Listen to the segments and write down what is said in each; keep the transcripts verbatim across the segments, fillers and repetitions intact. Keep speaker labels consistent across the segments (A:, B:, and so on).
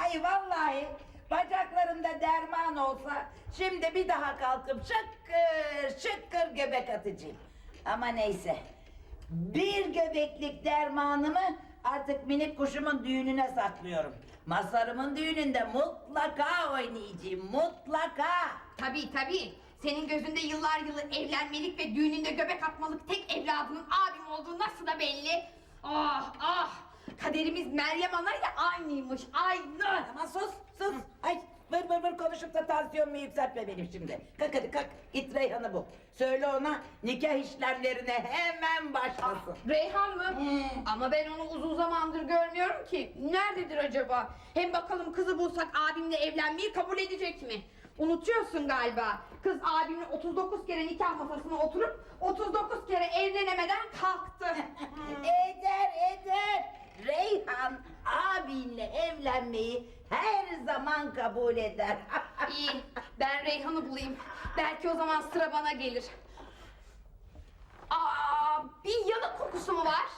A: Ay vallahi bacaklarımda derman olsa şimdi bir daha kalkıp şıkkır şıkkır göbek atacağım. Ama neyse. Bir göbeklik dermanımı artık minik kuşumun düğününe saklıyorum. Mazharımın düğününde mutlaka oynayacağım, mutlaka.
B: Tabii tabii. Senin gözünde yıllar yılı evlenmelik ve düğününde göbek atmalık tek evladının abim olduğu nasıl da belli. Ah ah! Kaderimiz Meryem Ana ile aynıymış, aynı.
A: Ama sus, sus. Ay vır vır vır konuşup da tansiyonumu yükseltme benim şimdi. Kalk hadi kalk, git Reyhan'ı bul. Söyle ona nikah işlemlerine hemen başlasın.
B: Reyhan mı?
A: Hmm.
B: Ama ben onu uzun zamandır görmüyorum ki. Nerededir acaba? Hem bakalım kızı bulsak abimle evlenmeyi kabul edecek mi? Unutuyorsun galiba. Kız abimle otuz dokuz kere nikah masasına oturup otuz dokuz kere evlenemeden kalktı.
A: Eder eder. Reyhan abinle evlenmeyi her zaman kabul eder.
B: İyi, ben Reyhan'ı bulayım. Belki o zaman sıra bana gelir. Aa, bir yanık kokusu mu var?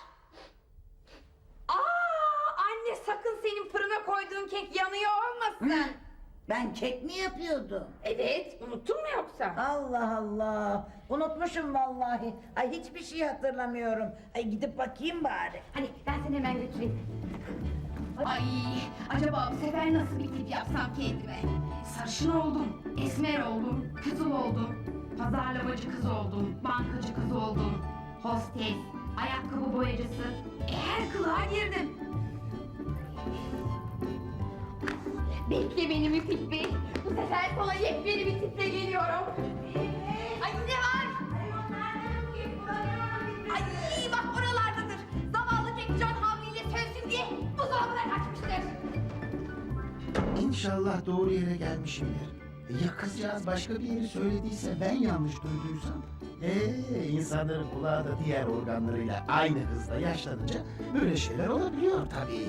B: Aa, anne sakın senin fırına koyduğun kek yanıyor olmasın.
A: Ben kek mi yapıyordum?
B: Evet, unuttun mu yoksa?
A: Allah Allah. Unutmuşum vallahi. Ay hiçbir şey hatırlamıyorum. Ay gidip bakayım bari.
B: Hani ben seni hemen götüreyim. Ay, acaba bu sefer nasıl bir tip yapsam kendime? Sarışın oldum, esmer oldum, kızıl oldum, pazarlamacı kız oldum, bankacı kız oldum, hostes, ayakkabı boyacısı, e, her kılığa girdim. Bekle beni Müfit Bey, bu sefer sana yepyeni bir tiple geliyorum. Ay ne var? Ay bak oralardadır. Zavallı Kekcan havliyle sövsün diye buzdolabına kaçmıştır.
C: İnşallah doğru yere gelmişimdir. Ya kızcağız başka bir yeri söylediyse ben yanlış duyduysam? Ee, insanların kulağı da diğer organlarıyla aynı hızla yaşlanınca böyle şeyler olabiliyor tabii.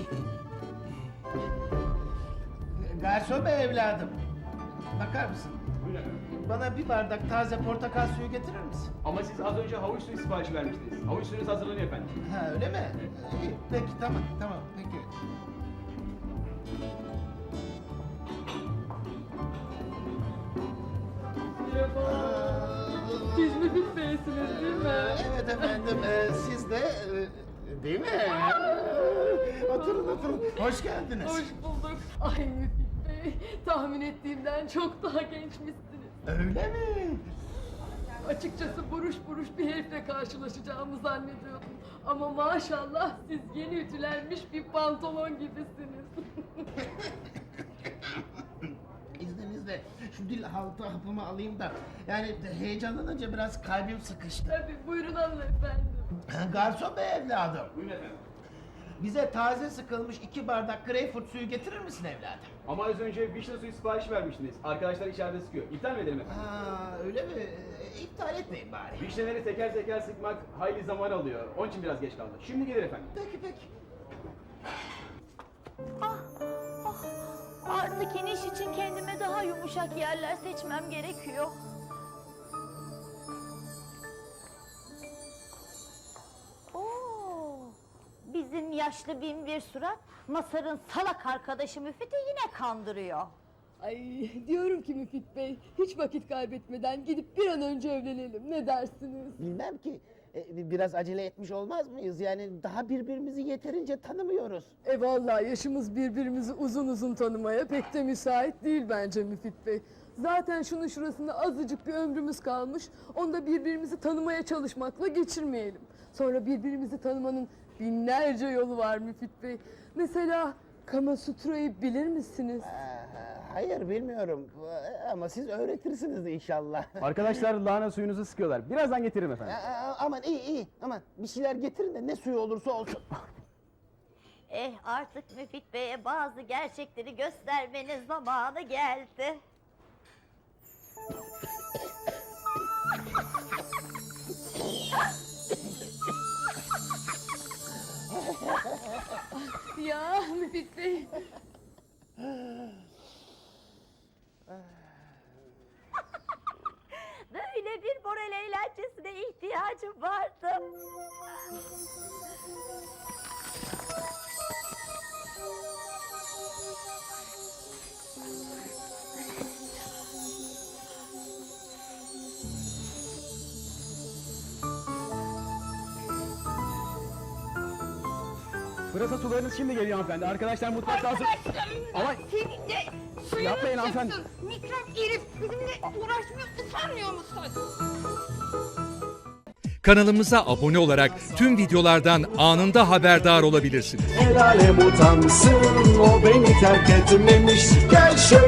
C: Garson bey evladım. Bakar mısın? Bana bir bardak taze portakal suyu getirir misin?
D: Ama siz az önce havuç suyu siparişi vermiştiniz. Havuç suyunuz hazırlanıyor efendim.
C: Ha öyle mi? İyi, peki tamam tamam peki.
E: Siz Müfit Bey'siniz değil mi?
C: Evet efendim, e, siz de e, değil mi? Oturun oturun, hoş geldiniz.
E: Hoş bulduk. Ay Müfit Bey, tahmin ettiğimden çok daha gençmişsiniz.
C: Öyle mi?
E: Açıkçası buruş buruş bir herifle karşılaşacağımı zannediyordum. Ama maşallah siz yeni ütülenmiş bir pantolon gibisiniz.
C: İzninizle şu dil haltı hapımı alayım da, yani heyecanlanınca biraz kalbim sıkıştı.
E: Tabii buyurun alın efendim.
C: Garson bey evladım,
D: Buyurun efendim.
C: bize taze sıkılmış iki bardak greyfurt suyu getirir misin evladım?
D: Ama az önce vişne suyu siparişi vermiştiniz. Arkadaşlar içeride sıkıyor. İptal mi edelim efendim?
C: Ha öyle mi? E, iptal etmeyin bari.
D: Vişneleri teker teker sıkmak hayli zaman alıyor. Onun için biraz geç kaldı. Şimdi gelir efendim.
C: Peki peki.
F: Artık iniş için kendime daha yumuşak yerler seçmem gerekiyor. Oo, bizim yaşlı bin bir surat Masar'ın salak arkadaşı Müfit'i yine kandırıyor.
E: Ay diyorum ki Müfit Bey, hiç vakit kaybetmeden gidip bir an önce evlenelim. Ne dersiniz?
C: Bilmem ki, e, biraz acele etmiş olmaz mıyız? Yani daha birbirimizi yeterince tanımıyoruz.
E: E vallahi yaşımız birbirimizi uzun uzun tanımaya pek de müsait değil bence Müfit Bey. Zaten şunun şurasında azıcık bir ömrümüz kalmış. Onu da birbirimizi tanımaya çalışmakla geçirmeyelim. Sonra birbirimizi tanımanın binlerce yolu var Müfit Bey. Mesela Kama Sutra'yı bilir misiniz?
C: Aa, hayır bilmiyorum ama siz öğretirsiniz inşallah.
D: Arkadaşlar lahana suyunuzu sıkıyorlar. Birazdan getiririm efendim.
C: Aa, aman iyi iyi, aman bir şeyler getirin de ne suyu olursa olsun.
F: Eh artık Müfit Bey'e bazı gerçekleri göstermenin zamanı geldi.
E: Ya Müfit Bey.
F: Böyle bir moral eğlencesine ihtiyacım vardı.
D: Pırasa sularınız şimdi geliyor hanımefendi. Arkadaşlar mutfakta hazır. Ama
B: Senin de suyunu
D: Yapmayın hanımefendi.
B: çıksın. Mikrop herif bizimle uğraşmıyor, utanmıyor musun?
G: Kanalımıza abone olarak tüm videolardan anında haberdar olabilirsiniz.
H: El alem utansın, o beni terk etmemiş. Gel şöyle